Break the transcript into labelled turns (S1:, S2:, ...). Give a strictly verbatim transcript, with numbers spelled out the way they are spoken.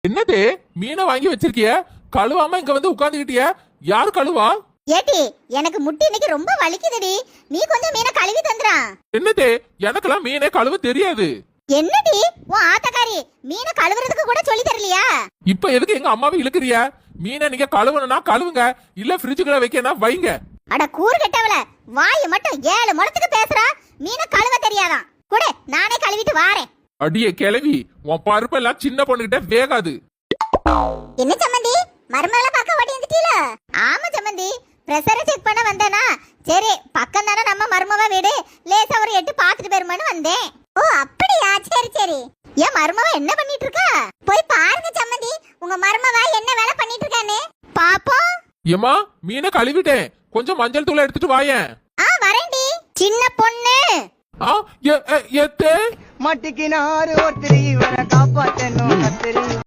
S1: என்னது மீனை வாங்கி வச்சிருக்கிய? கழுவாம இங்க வந்து உட்கார்ந்துகிட்டிய? யார் கழுவா?
S2: ஏட்டி எனக்கு முட்டி இன்னைக்கு ரொம்ப வலிக்குதுடி, நீ கொஞ்சம் மீனை கழுவி தந்துறா.
S1: என்னது எனக்கெல்லாம் மீனே கழுவ தெரியாது.
S2: என்னடி உன் ஆத்தக்காரி மீனை கழுவுறதுக்கு கூட சொல்லி தரலையா?
S1: இப்ப எதுக்கு எங்க அம்மாவை இழுக்கிறிய? மீனை நீங்க கழுவணும்னா கழுவுங்க, இல்ல ஃப்ரிட்ஜுக்குள்ள வைக்கணும் வைங்க.
S2: அட கூறு கெட்டவள, வாய் மட்டும் ஏழு முழத்துக்கு பேசுறா, மீனை கழுவ தெரியாதான். கூட நானே கழுவிட்டு வாரேன்.
S1: அடியே கிளவி, உன் பருப்பெல்லாம் சின்ன பொண்ணுகிட்ட வேகாது.
S2: என்ன சம்மந்தி, மருமகள பார்க்க ஓடி வந்துட்டீல? ஆமா சம்மந்தி, பிரஷரை செக் பண்ண வந்தேனா, சரி பக்கம் தானே நம்ம மருமவ வீடு, லேசா ஒரு எட்டு பாத்துட்டு போயிருமான்னு வந்தேன். ஓ அப்படியா, சரி சரி. ஏன் மருமவ என்ன பண்ணிட்டு இருக்கா? போய் பாருங்க சம்மந்தி, உங்க மருமவ என்ன வேலை பண்ணிட்டு இருக்கானே பாப்போம்.
S1: ஏமா மீனை கழுவிட்டேன், கொஞ்சம் மஞ்சள் தூளை எடுத்துட்டு வாயேன்.
S2: ஆ வரேன்டி சின்ன பொண்ணு.
S1: ஆ எ எத்தே
S3: மட்டிக்கினாரு ஒருத்தரி இவரை காப்பாத்தணும் கத்திரி